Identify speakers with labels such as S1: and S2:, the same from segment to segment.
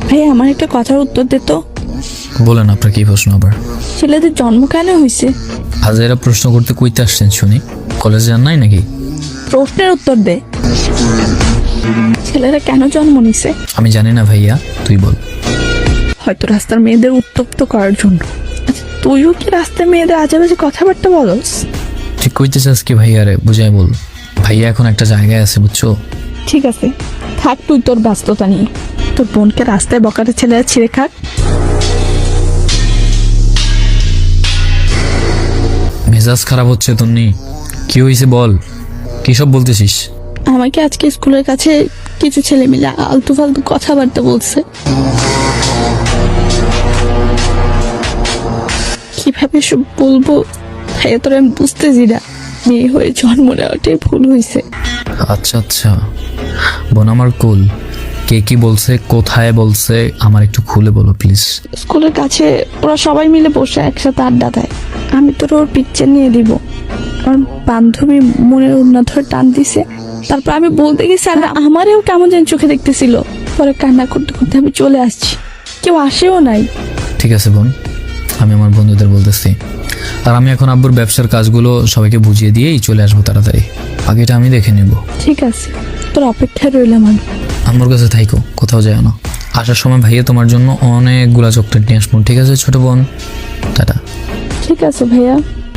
S1: ভাই আমার একটা কথার উত্তর দে তো।
S2: বলেন আপনার কি প্রশ্ন আবার?
S1: ছেলেদের জন্ম কেন হয়েছে?
S2: আজ এরা প্রশ্ন করতে কইতে আসছেন শুনি, কলেজে যান নাই নাকি?
S1: প্রশ্নের উত্তর দে, ছেলেরা কেন জন্ম নিছে?
S2: আমি জানি না ভাইয়া, তুই বল।
S1: হয়তো রাস্তার মেয়েদের উত্তপ্ত করার জন্য। আচ্ছা, তুইও কি রাস্তার মেয়েদের আজে বাজে কথাবার্তা বলস?
S2: ঠিক কইতে চাস কি ভাইয়া? রে বুঝাই বল। ভাইয়া এখন একটা জায়গায় আছে বুঝছো।
S1: ঠিক আছে, থাক তুই তোর ব্যস্ততা নিয়ে। তোর বোনকে রাস্তায় বকাটে ছেলেরা ছিঁড়ে খাক।
S2: মেজাজ খারাপ হচ্ছে তন্নি, কি হয়েছে বল, কি সব বলতেছিস?
S1: আমাকে আজকে স্কুলের কাছে কিছু ছেলে মিলে আলতু ফালতু কথাবার্তা বলছে। কিভাবে সব বলবো ভাইয়া, তোর আমি বুঝতেছি না। মেয়ে হয়ে জন্ম নেওয়াটাই ভুল হয়েছে।
S2: আচ্ছা আচ্ছা বোন আমার কুল, কে কি বলছে, কোথায় বলছে, আমার একটু খুলে বলো প্লিজ।
S1: স্কুলের কাছে ওরা সবাই মিলে বসে একসাথে আড্ডা দেয়। আমি তোর ওর পিকচার নিয়ে দিব। আমার বান্ধবী মনের উন্না ধরে টান দিছে। তারপর আমি বলতে গেছি আর আমারও কেমন যেন চোখে দেখতেছিল। পরে কান্না করতে করতে আমি চলে আসছি, কেউ আসেও নাই।
S2: ঠিক আছে বোন, আমি আমার বন্ধুদের বলতেছি। আর আমি এখন আব্বুর ব্যবসার কাজগুলো সবাইকে বুঝিয়ে দিয়েই চলে আসবো তাড়াতাড়ি। বাকিটা আমি দেখে নেব।
S1: ঠিক আছে, তোর অপেক্ষায় রইলাম আমি।
S2: আমার কাছে থাইকো, কোথাও যায় না। আসার সময় ভাইয়া তোমার জন্য অনেকগুলা চকলেট নিয়ে আসবো, ঠিক আছে ছোট বোন? টাটা।
S1: ঠিক আছে ভাইয়া।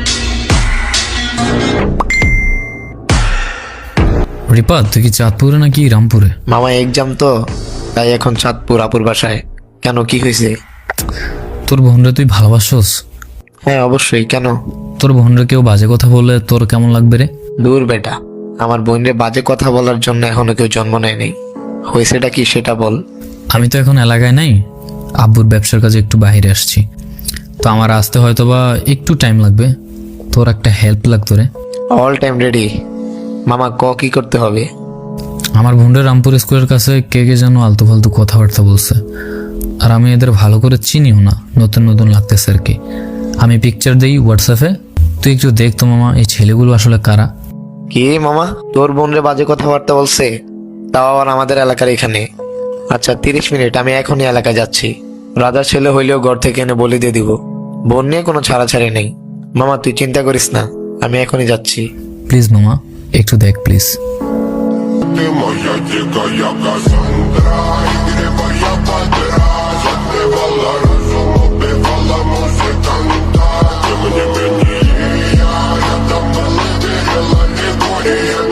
S2: রিপা, তুই কি চাঁদপুরে নাকি রামপুরে?
S3: মামা এক্সাম তো, তাই এখন চাঁদপুর আপুর বাসায়। কেন, কি হয়েছে?
S2: তোর বোনরে তুই ভালোবাসোস?
S3: হ্যাঁ অবশ্যই, কেন?
S2: তোর বোনরে কেউ বাজে কথা বললে তোর কেমন লাগবে রে?
S3: দূর বেটা, আমার বোনরে বাজে কথা বলার জন্য এখনো কেউ জন্ম নেয়নি। হয়েছেটা কি সেটা বল।
S2: আমি তো এখন এলাকায় নাই, আব্বুর ব্যবসার কাজে একটু বাইরে আসছি, তো আমার আসতে হয়তো বা একটু টাইম লাগবে। তোর একটা হেল্প লাগতো রে।
S3: অল টাইম রেডি মামা, কি করতে হবে?
S2: আমার বোনরে রামপুর স্কুলের কাছে কে কে যেন আলতু ফালতু কথাবার্তা বলছে, আর আমি এদের ভালো করে চিনিও না, নতুন নতুন লাগতেছে আর কি। আমি পিকচার দিই হোয়াটসঅ্যাপে, তুই একটু দেখ তো মামা, এই ছেলেগুলো আসলে কারা।
S3: কি মামা, তোর বোনরে বাজে কথাবার্তা বলছে? তাও আবার আমাদের এলাকার এখানে? আচ্ছা 30 মিনিট, আমি এখনই এলাকায় যাচ্ছি। রাজার ছেলে হইলেও ঘর থেকে এনে বলে দিয়ে দিব। বোন নিয়ে কোনো ছাড়াছাড়ি নেই। মামা তুই চিন্তা করিস না, আমি এখনই যাচ্ছি।
S2: প্লিজ মামা, একটু দেখ প্লিজ।
S4: Ты моя дикая Кассандра, игривая подра, затмевала разум, убивала музыканта. Тем не менее, я рядом был и верила, не горе.